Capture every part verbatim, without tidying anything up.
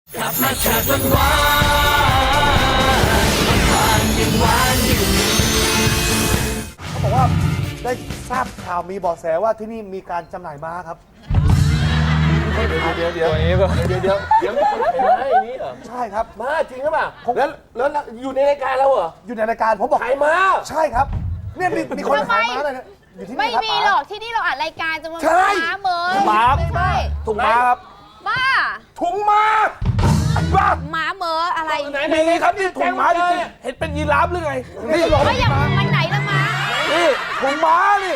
กลับมาจากวันวานวานยังวานอยู่เขาบอกว่าได้ทราบข่าวมีเบาะแสว่าที่นี่มีการจำหน่ายม้าครับเดี๋ยวเดี๋ยวเดี๋ยวเดี๋ยวเดี๋ยวเดี๋ยวมีคนขายม้าอย่างนี้เหรอใช่ครับม้าจริงหรือเปล่าแล้วแล้วอยู่ในรายการเราเหรออยู่ในรายการผมบอกขายม้าใช่ครับเนี่ยมีมีคนขายม้าเลยนะอยู่ที่นี่ครับไม่มีหรอกที่นี่เราอัดรายการจะมาม้าเมยม้าใช่ถุงม้าครับบ้าถุงม้าบ้าม้าเมออะไรมีครับนี่ถุงม้าจริงๆเห็นเป็นยีราฟหรือไงนี่ก็ยังมันไหนละม้านี่ถุงม้านี่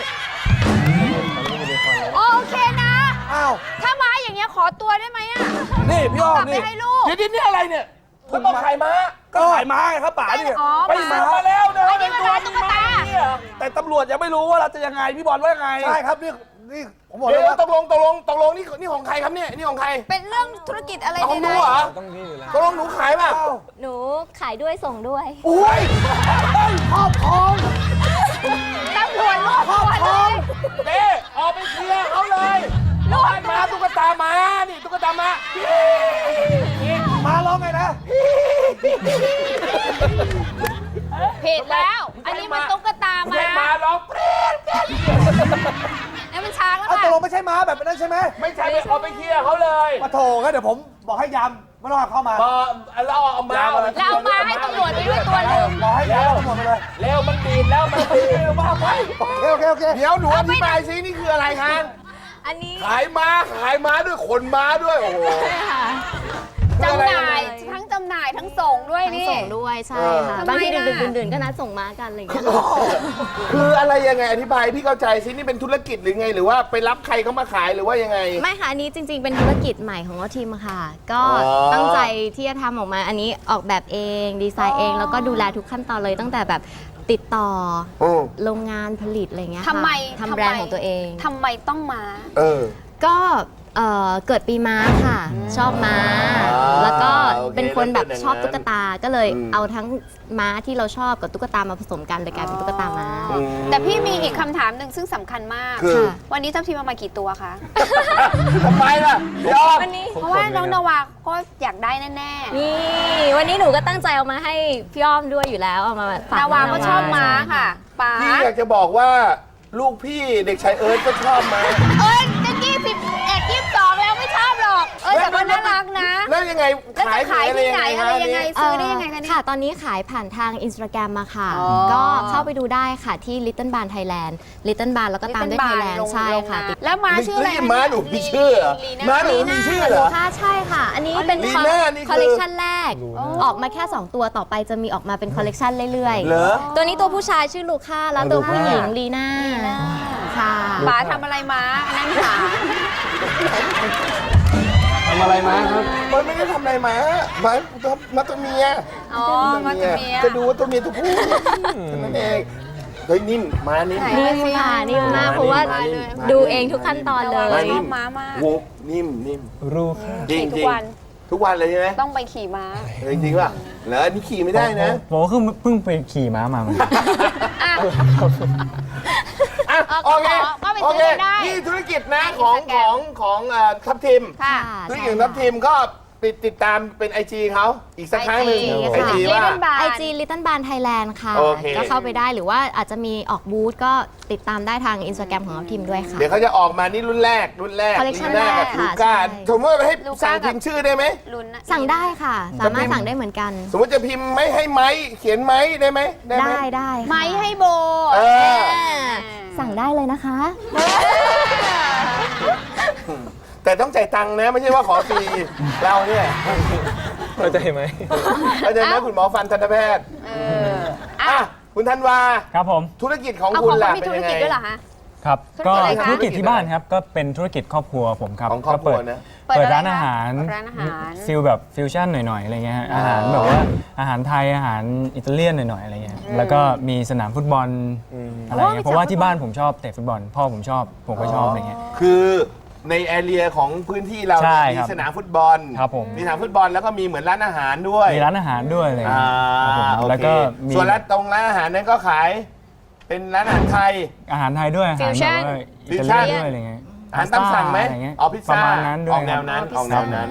โอเคนะอ้าวถ้าม้าอย่างเงี้ยขอตัวได้ไหมอ่ะนี่พี่อ้อมนี่กลับไปให้ลูกเดี๋ยวนี่อะไรเนี่ยถุงม้าขายม้าก็ขายม้าไงครับป๋าเนี่ยอ๋อไปซื้อมาแล้วนะอันนี้มันร้านตุ๊กตาแต่ตำรวจยังไม่รู้ว่าเราจะยังไงพี่บอลว่ายังไงใช่ครับนี่นี่ผมบอกเดี๋เลยยวว่าตกลงตกลงตกลงนี่นี่ของใครครับเนี่ยนี่ของใครเป็นเรื่องธุรกิจอะไรเอาของหนูเนี่ยเหรอต้องนี่อยู่แล้วตกลงหนูขายป่ะหนูขายด้วยส่งด้วยโอ้ยครอบครองตำรวจรวบตัวเลยเด้ออกไปเคลียร์เขาเลยลูกมาตุ๊กตามานี่ตุ๊กตามามาร้องไงนะผิดแล้ว อันนี้มันตุ๊กตาไม่ม้ามาร้องเปรี้ยนนี่มันช้างแล้วเอาค่ะตกลงไม่ใช่ม้าแบบนั้นใช่ไหมไม่ใช่ไปออกไปเคลียร์เขาเลยมาโถงั้นเดี๋ยวผมบอกให้ยามไม่ต้องเข้ามาพอเราเอามาเราเอามาให้ตำรวจไปด้วยตัวหนึ่งบอกให้ยามตำรวจไปเลยเร็วมันบีบแล้วมันบีบว่าไปโอเคโอเคโอเคเดี๋ยวหนูอธิบายซินี่คืออะไรคะอันนี้ขายม้าขายม้าด้วยขนม้าด้วยโอ้โหจำหน่ายทั้งจำหน่ายทั้งส่งด้วยทั้งนี่ส่งด้วยใช่ค่ะทำไมบางทีล่ะดึกๆดื่นๆก็นัดส่งม้ากันอะไรอย่างเงี้ยคืออะไรยังไงอธิบายพี่เข้าใจซินี่เป็นธุรกิจหรือไงหรือว่าไปรับใครเขามาขายหรือว่ายังไงไม่ค่ะอันนี้จริง ๆ เป็นธุรกิจใหม่ของเราทีมค่ะ ก็อ๋อตั้งใจที่จะทำออกมาอันนี้ออกแบบเองดีไซน์เอง แล้วก็ดูแลทุกขั้นตอนเลยตั้งแต่แบบติดต่ออืมโรงงานผลิตอะไรเงี้ยค่ะทำไมทำแบรนด์ของตัวเองทำไมต้องมาเออก็เอ่อเกิดปีม้าค่ะ ชอบม้าอ่าแล้วก็โอเคเป็นคนแบบแล้วเป็นอย่างนั้นชอบตุ๊กตาก็เลยอืมเอาทั้งม้าที่เราชอบกับตุ๊กตามาผสมกันเลยกลายเป็นตุ๊กตาม้าอืมแต่พี่มีอีกคำถามหนึ่งซึ่งสำคัญมากคือค่ะวันนี้ทัพทีมเอามากี่ตัวคะทำไมล่ะยอมวันนี้เพราะว่าน้องนาวาก็อยากได้แน่นี่วันนี้หนูก็ตั้งใจเอามาให้พี่อ้อมด้วยอยู่แล้วเอามาฝากๆนาวาก็ชอบม้าค่ะป๋าพี่อยากจะบอกว่าลูกพี่เด็กชายเอิร์ธก็ชอบม้าเอ้ยจะยี่สิบเอ็ดยี่สิบสองแล้วไม่ชอบหรอก เอ้ยแต่ก็น่ารักนะแล้วยังไงแล้วจะขายที่ไหนอะไรยังไงเอ่ซื้ออได้ยังไงคะเนี่ยค่ะ ตอนนี้ขายผ่านทางอินสตาแกรมมาค่ะอ๋อก็เข้าไปดูได้ค่ะที่ Little Barn Thailand Little Barn แล้วก็ตามด้วย Thailand ใช่ค่ะติดแล้วม้าชื่ออะไรนี่ม้าหนูมีชื่อเหรอลีม้าน่าหนูมีชื่อเหรอค่ะใช่ค่ะ อันนี้เป็นลีน่านี่คือคอลเลกชันแรก ออกมาแค่ สอง ตัวต่อไปจะมีออกมาเป็นคอลเลกชันเรื่อยเหรอๆ ตัวนี้ตัวผู้ชายชื่อลูค่าแล้วตัวผู้หญิงลีน่าค่ะป๋าทำอะไรม้าอันนั้นขาทำอะไรมาครับมันไม่ได้ทำอะไรม้าม้าม้าตัวเมียอ๋อมาตัวเมียจะดูว่าตัวเมียตัวผู้แค่นั้นเองเฮ้ยนิ่มม้านิ่มนิ่มค่ะนิ่มมากเพราะว่าดูเองทุกขั้นตอนเลม้ายชนิ่อมบม้ามากวูบนิ่มนิ่มรู้ค่ะจริงขี่จทุริกงวันทุกวันเลยใช่ไหมต้องไปขี่ม้าเฮ้ยจริงป่ะแล้วอันนี้ขี่ไม่ได้นะผมก็เพิ่งไปขี่ม้ามาเหมือนกันอ่ะอ่ะเออโอเคก็ไปโอซื้อเคได้นี่ธุรกิจนะในของ Instagram ของของเอ่อทัพทีมค่ะธุรกิจของทัพทีมก็ติดติดตามเป็นไอจีเขาอีกสักครั้งหนึ่งไอจีไอจีว่า Little Barn ไอจี Little Barn Thailand ค่ะโอเคก็เข้าไปได้หรือว่าอาจจะมีออกบูธก็ติดตามได้ทางอินสตาแกรมของเราทีมด้วยค่ะเดี๋ยวเขาจะออกมานี่รุ่นแรกรุ่นแรก Collection ลีน่ากับแรกลูค่ะก้าใช่สมมติว่าให้ลูก้าสั่งกับพิมพ์ชื่อได้ไหมลุ้นนะสั่งได้ค่ะ สามารถสั่งได้เหมือนกันสมมติจะพิมพ์ไม่ให้ไม้เขียนไม้ได้ไหมได้ไหมได้ได้ค่ะไม้ให้โบเออสั่งได้เลยนะคะแต่ต้องจ่ายตังค์นะไม่ใช่ว่าขอฟรีเราเนี่ยเข้าใจไหมเข้าใจไหมคุณหมอฟันทันตแพทย์เอออ่ะอ่ะคุณธันวาครับผมธุรกิจของเอาคุขณองล่ะเขามีเป็นธุรยังไงกิจด้วยเหรอคะครับธุรก็กิจอะไรคะธุรกิจที่บ้านครับ ก็เป็นธุรกิจครอบครัวผมครับของครอบครัวก็เปิดนะเปิดเปิดอะไรร้านคะอาหารเปิดร้านอาหารฟิลแบบฟิวชั่นหน่อยๆอะไรเงี้ยฮะอาหารแบบว่าอาหารไทยอาหารอิตาเลียนหน่อยๆอะไรเงี้ยแล้วก็มีสนามฟุตบอลอะไรอ๋อมีเงี้ยเพราะว่าสนามฟุตบอลที่บ้านผมชอบเตะฟุตบอลพ่อผมชอบผมก็ชอบอะไรเงี้ยคือในแอเรียของพื้นที่เราใช่มีครับสนามฟุตบอลครับผมมีสนามฟุตบอลแล้วก็มีเหมือนร้านอาหารด้วยมีร้านอาหารด้วยอะไรอ่าเงี้ยครับผมโอแล้วเคก็มีส่วนร้านตรงร้านอาหารนั้นก็ขาย เป็นร้านอาหารไทยอาหารไทยด้วยอาหารแบบ Fusion ว่าอิตาเลียนด้วยอะไรเงี้ยอาหารตามสั่งไหมะรเงี้ยอ๋อพิซประซ่ามาณนั้นด้วยออกแนวนั้นอ๋อออกพิซแนซ่าวนั้น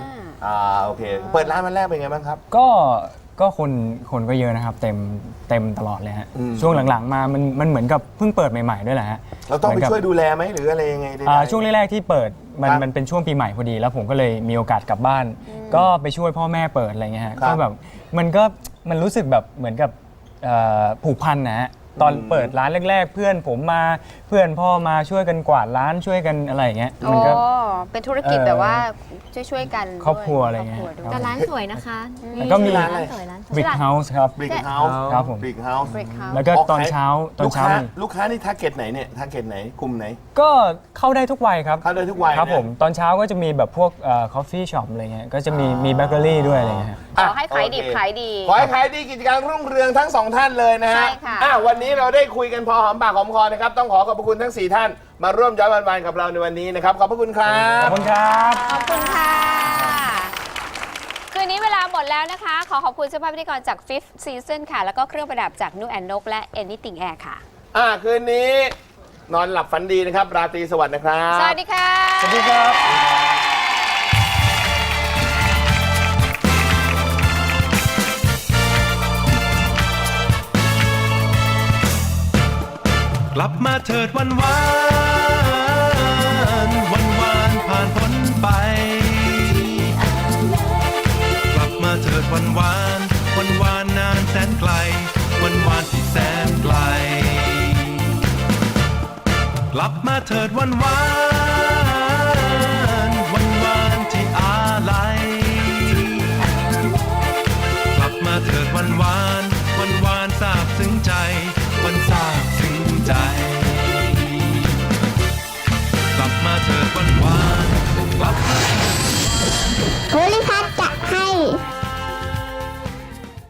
อ่าโอเค เปิดร้านวันแรกเป็นไงบ้างครับก็ก็คนคนก็เยอะนะครับ เต็มเต็มตลอดเลยฮะอืมช่วงหลังๆมามันมันเหมือนกับเพิ่งเปิดใหม่ๆด้วยแหละฮะเราต้องไปหมืนกับช่วยดูแลไหมหรืออะไรยังไงได้อ่าไหมช่วงแรกๆที่เปิดมันครับมันเป็นช่วงปีใหม่พอดี แล้วผมก็เลยมีโอกาสกลับบ้าน ก็ไปช่วยพ่อแม่เปิดอะไรเงี้ยฮะครับก็แบบมันก็มันรู้สึกแบบเหมือนกับเอ่อผูกพันนะฮะตอนอืมเปิดร้านแรก ๆ เพื่อนผมมาเพื่อนพ่อมาช่วยกันกวาดร้านช่วยกันอะไรอย่างเงี้ยโอ้มันก็เป็นธุรกิจเอ่อแบบว่าช่วยๆกันครอบครัวอะไรเงี้ยคบคด้วยแต่ร้านสวยนะคะแล้วก็มีร้านสวยร้านสวย Brick House ครับบริกเฮาส์ครับผมบริกเฮาส์ Brick House แล้วก็ตอนเช้าตอนลูกเช้าค้ามีลูกค้านี่ทาร์เก็ตไหนเนี่ยทาร์เก็ตไหนกลุ่มไหนก็เข้าได้ทุกวัยครับเข้าได้ทุกวัยครับนะผมตอนเช้าก็จะมีแบบพวกเอ่อ coffee shop อะไรเงี้ยก็จะมีมีเบเกอรี่ด้วยอะไรเงี้ยฮะขอให้ขายดีโอเคขายดีขอให้ขายดีกิจการรุ่งเรืองทั้งสองท่านเลยนะฮะใช่ค่ะอ่วันนี้เราได้คุยกันพอหอมปากหอมคอนะครับ ต้องขอขอบพระคุณทั้งสี่ท่าน มาร่วมย้อนวันๆกับเราในวันนี้นะครับ ขอบพระคุณครัขอบบคุณครับขอบคุณค่ะ คืนนี้เวลาหมดแล้วนะคะ ขอขอบคุณเสื้อผ้าพิธีกรจาก Fifth Season ค่ะ แล้วก็เครื่องประดับจากนูแอนนกและ Anything Air ค่ะอ่าคืนนี้นอนหลับฝันดีนะครับ ราตรีสวัสดิ์นะครับสวัสดีค่ะสวัสดีครับกลับมาเถิดวันวานวันวานผ่านพ้นไป กลับมาเถิดวันวานวันวานนานแสนไกล วันวานที่แสนไกล กลับมาเถิดวันวานวันวานที่อาลัย กลับมาเถิดวันวานวันวานซาบซึ้งใจ วันซาบซึ้งใจ กลับมาเถิดวันวานกลับมาภูริพัฒน์